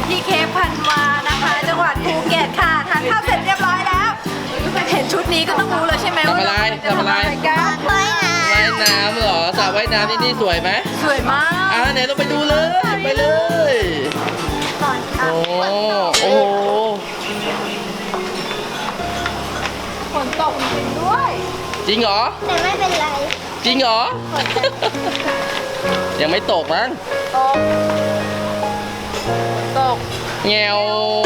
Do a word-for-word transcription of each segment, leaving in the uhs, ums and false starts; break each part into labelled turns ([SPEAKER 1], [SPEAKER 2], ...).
[SPEAKER 1] ที่เคปพันวานะคะจังหวัดภูเก็ตค่ะทานข้าวเสร็จเรียบร้อยแล้วเห็นชุดนี้ก็ต้องรู้เลยใช่ไหม
[SPEAKER 2] ทำ
[SPEAKER 1] ว่า
[SPEAKER 2] อะไร
[SPEAKER 1] เราจะ
[SPEAKER 2] ทำอะไร
[SPEAKER 1] กัน
[SPEAKER 3] ว่ายน้
[SPEAKER 2] ว่ายน้ำเหรอสระว่ายน้ำที่นี่สวยไหม
[SPEAKER 1] สวยมาก
[SPEAKER 2] อ่าไหนเราไปดูเลยไปเลย
[SPEAKER 3] ำก่อนค่ะ
[SPEAKER 2] โอ้โอ้โห
[SPEAKER 1] ฝนตกจริงๆด้วย
[SPEAKER 2] จริงเหรอ
[SPEAKER 3] แต่ไม่เป็นไร
[SPEAKER 2] จริงเหรอ ยังไม่ตกมั้ง
[SPEAKER 1] ตกตก
[SPEAKER 2] แงว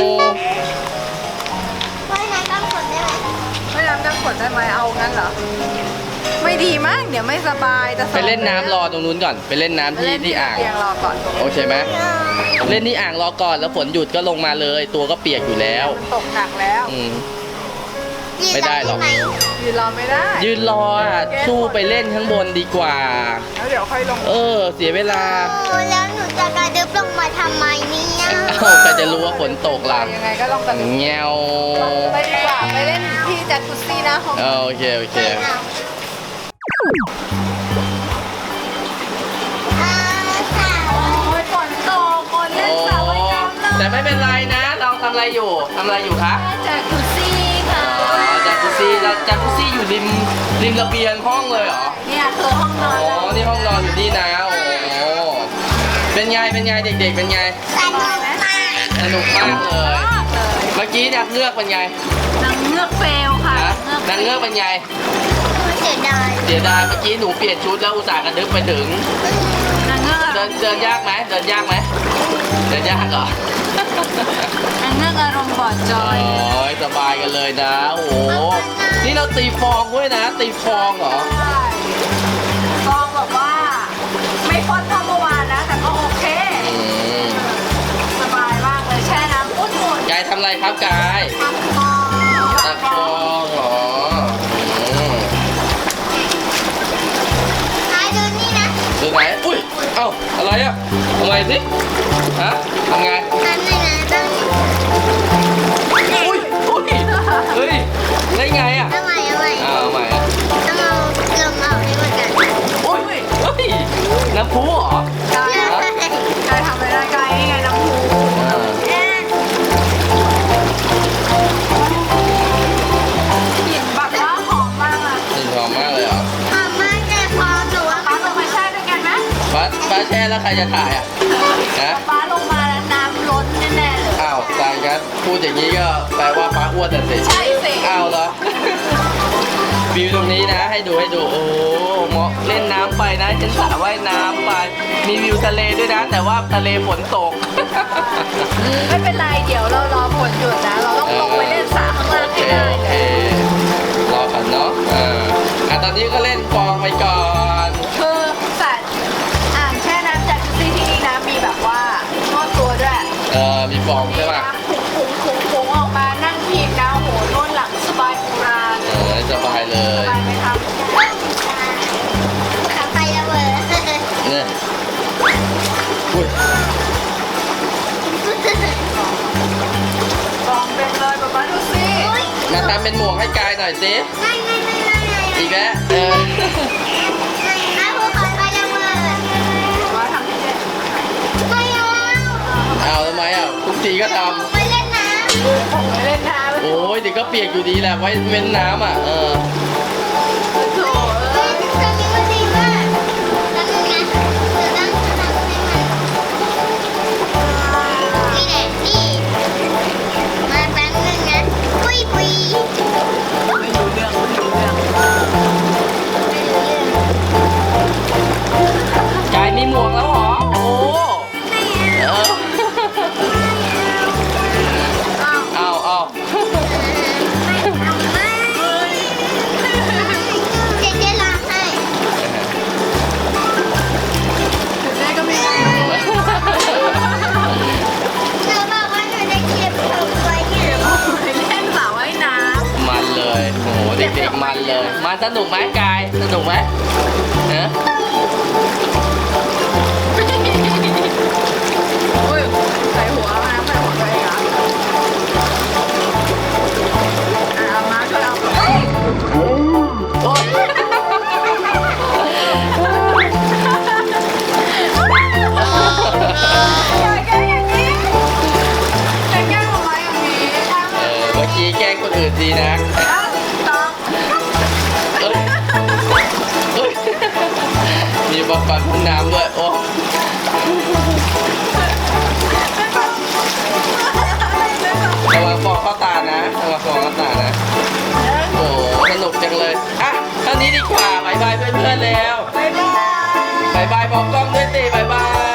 [SPEAKER 3] ว่ายน้ำกลางฝนได้ไหม
[SPEAKER 1] ไม่น้ำกันฝนได้ไหมเอางั้นเหรอไม่ดีมั้งเดี๋ยวไม่สบายจะสอบ
[SPEAKER 2] ไปเล่นน้ำรอตรงนู้นก่อนไปเล่นน้ำที่
[SPEAKER 1] เล่น
[SPEAKER 2] ที่อ่าง
[SPEAKER 1] เตียงรอก่อน
[SPEAKER 2] โอเคไหมเล่นที่อ่างรอก่อนแล้วฝนหยุดก็ลงมาเลย ตัวก็เปียกอยู่แล้ว
[SPEAKER 1] ตกหนักแล้ว
[SPEAKER 2] อืม ไม่ได้หรอก
[SPEAKER 1] ยืนรอไม่ได้
[SPEAKER 2] ยืนรออ่ะสู้ไปเล่นข้างบนดีกว่า
[SPEAKER 1] แล้วเดี๋ยวค่อยลง
[SPEAKER 2] เออ เสียเวลา
[SPEAKER 3] โอ้แล้วหนูจะกระดึบลงมาทำไมเนี่ย
[SPEAKER 2] เอ้าใครจะรู้ว่าฝนตกล่ะ
[SPEAKER 1] ยังไงก็ลองกัน
[SPEAKER 2] แงว
[SPEAKER 1] ไปดีกว่าไปเล่นที่จักรุซี่นะห้อง
[SPEAKER 2] เออโอเคโอเค
[SPEAKER 3] อ่าค่ะ
[SPEAKER 1] โอ้ยฝนตกคนเล่นสระว่ายน้ำเลย
[SPEAKER 2] แต่ไม่เป็นไรนะ เราทำอะไรอยู่ทำอะไรอยู่คะ
[SPEAKER 1] จักรุซี่ค่ะ
[SPEAKER 2] อ๋อจากกุซี่แล้วจากกุซี่อยู่ริมริมระเบียงห้องเลยเหรอ
[SPEAKER 1] เนี่ยคือห้องน
[SPEAKER 2] อ๋
[SPEAKER 1] อนเรา
[SPEAKER 2] อนี่ห้องนอนอยู่นี่นะโอ้โหเป็นไงเป็นไงเด็กๆเป็นไง
[SPEAKER 3] สนุกมาก
[SPEAKER 2] สนุกมากเลย
[SPEAKER 1] มากเลย
[SPEAKER 2] เมื่อกี้เนี่ยเงือกเป็นไง
[SPEAKER 1] นางเงือกเฟลค่ะ
[SPEAKER 2] นะนางเงือกเป็นไง
[SPEAKER 3] เสียดาย
[SPEAKER 2] เสียดายเมื่อกี้หนูเปลี่ยนชุดแล้วอุตส่าห์กระดึ๊บไปถึง
[SPEAKER 1] นางเงือก
[SPEAKER 2] เดินเดินยากไหมเดินยากไหมเดินยากเหรอน
[SPEAKER 1] างเงือกอารมณ์บอดจอย
[SPEAKER 2] โอ้ยสบายกันเลยนะ โอ้โหนี่เราตีฟองด้วยนะ ตีฟองเหรอ
[SPEAKER 1] ใช่กองแบบว่า ไม่ฟอนเท่าเมื่อวานนะแต่ก็โอเค
[SPEAKER 2] อืม
[SPEAKER 1] สบายมากเลยแช่น้ำอุ่น
[SPEAKER 2] กายทำอะไรครับกาย
[SPEAKER 3] ทำฟอง
[SPEAKER 1] ๆ
[SPEAKER 2] ตักฟองเหรออืม
[SPEAKER 3] ท้ายดูนี่นะ
[SPEAKER 2] ดูไหนอุ้ยเอ้าอะไรอ่ะทำไงสิฮะทำไง
[SPEAKER 3] ทำเลยนะต้อง
[SPEAKER 2] อุ้ยอุ้ยเฮ้ยได้ไงอ่ะ
[SPEAKER 3] เอาใหม่เอาใหม่
[SPEAKER 2] อ้าวเอาใหม่อ่ะ
[SPEAKER 3] ต้องเอาลมออกให้หมดกัน
[SPEAKER 2] อุ้ยเฮ้ยน้ำพุเหรอ
[SPEAKER 1] กายกายทำอะไรได้กายนี่ไงน้ำพู
[SPEAKER 2] อ่า
[SPEAKER 1] กลิ่นแบบว่าหอมมากอะ
[SPEAKER 2] กลิ่นหอมมากเลยเหรอ
[SPEAKER 3] หอมมากแต่พอหนูว่า
[SPEAKER 1] ป้าลงมาแช่ด้วยกันไหม
[SPEAKER 2] ป้าป้าแช่แล้วใครจะถ่ายอ่ะฮะ
[SPEAKER 1] ป้าลงมาแล้วน้ำล้นแน่ๆเลย
[SPEAKER 2] อ้าวตายกันพูดอย่างนี้ก็แปลว่าป้าอ้วนแต่สิ
[SPEAKER 1] ใช่สิ
[SPEAKER 2] อ้าวเหรอ วิวตรงนี้นะให้ดูให้ดูโอ้เหมาะเล่นน้ำไปนะฉันสระว่ายน้ำไปมีวิวทะเลด้วยนะ แต่ว่าทะเลฝนตก
[SPEAKER 1] ไม่เป็นไรเดี๋ยวเรารอฝนหยุดนะ เราต้องลงไปเล่นสระข้างล่าง
[SPEAKER 2] โอเค
[SPEAKER 1] ให้ได้
[SPEAKER 2] โอ
[SPEAKER 1] เล
[SPEAKER 2] เค
[SPEAKER 1] ย
[SPEAKER 2] รอก่อนเนาะอ่าอ่ะตอนนี้ก็เล่นฟองไปก่อน
[SPEAKER 1] คือสระอ่างแช่น้ำจากซี่ที่นี่นะมีแบบว่านวดตัวด้วย
[SPEAKER 2] เออมีฟองใช่
[SPEAKER 1] มี
[SPEAKER 2] ป่ะ
[SPEAKER 1] น้ำผุ้งผุ้งผุ้งผุ้งออกมานั่งพิงนะโหนวดหลังสบายโบราณ
[SPEAKER 2] เออสบายเล
[SPEAKER 1] ส
[SPEAKER 2] ย
[SPEAKER 1] บายไหมครับ
[SPEAKER 3] ทำไฟระเบิด
[SPEAKER 2] เนี่ยอุ้ย
[SPEAKER 1] ลองเป็นเลยแบบว่าดูสิ
[SPEAKER 2] มาทำเป็นหมวกให้กายหน่อยสิ
[SPEAKER 3] ไม่ไม่ไม่ไม่ไม่
[SPEAKER 2] อีกแล้วเออ
[SPEAKER 3] ไม่ภูเขาไฟระเบิด
[SPEAKER 1] ว่าทำให้เล่น
[SPEAKER 3] ไม่เอา
[SPEAKER 2] เอาทำไมอ่ะทุกทีก็ท
[SPEAKER 3] ไปเล่นน้
[SPEAKER 1] ผมไม่เล่นน้ำ
[SPEAKER 2] ำโอ้ยเดี๋ยวก็เปียกอยู่ดีแหละไว้เว้นน้ำอ่ะเออ
[SPEAKER 1] โถ
[SPEAKER 3] ำเฮ้ยตอนนี้มันดีมากแล้วนึงนะเดี๋ยวต้องทำให้มันนี่แหละนี่มาแป๊บนึงนะปุยปุย
[SPEAKER 1] ไม่รู้เรื่องไม่รู้เรื่อง
[SPEAKER 2] กายมีหมวกแล้วเหรอโอ้เออ
[SPEAKER 1] อ้าว
[SPEAKER 2] เอาเอา
[SPEAKER 3] เจ๊เจ๊ร้องให้
[SPEAKER 1] ถึงได้ก็ไม่ได้
[SPEAKER 3] เธอบอกว่าหนูจะเก็บผมไว้เนี่ย
[SPEAKER 1] ไปเล่นสระว่ายน้
[SPEAKER 2] มันเลยโอ้โหเด็กๆมันเลยมันสนุกไหมกายสนุกไหมเนอะ
[SPEAKER 1] ำอุ้ยใส่หัวมาใส่หัวตัวเองเหรออ่ะเอามาช่วยเอา
[SPEAKER 2] โอ้ย
[SPEAKER 1] อย่าแกล้งอย่างนี้
[SPEAKER 2] ปลาพุ่งน้ำด้วยโอ้ระวังฟองเข้าตานะระวังฟองเข้าตานะโอ้สนุกจังเลยอ่ะเท่านี้ดีกว่าบายบายเพื่อนๆแล้ว
[SPEAKER 1] บ๊ายบาย
[SPEAKER 2] บายบายบอกกล้องด้วยสิบายบาย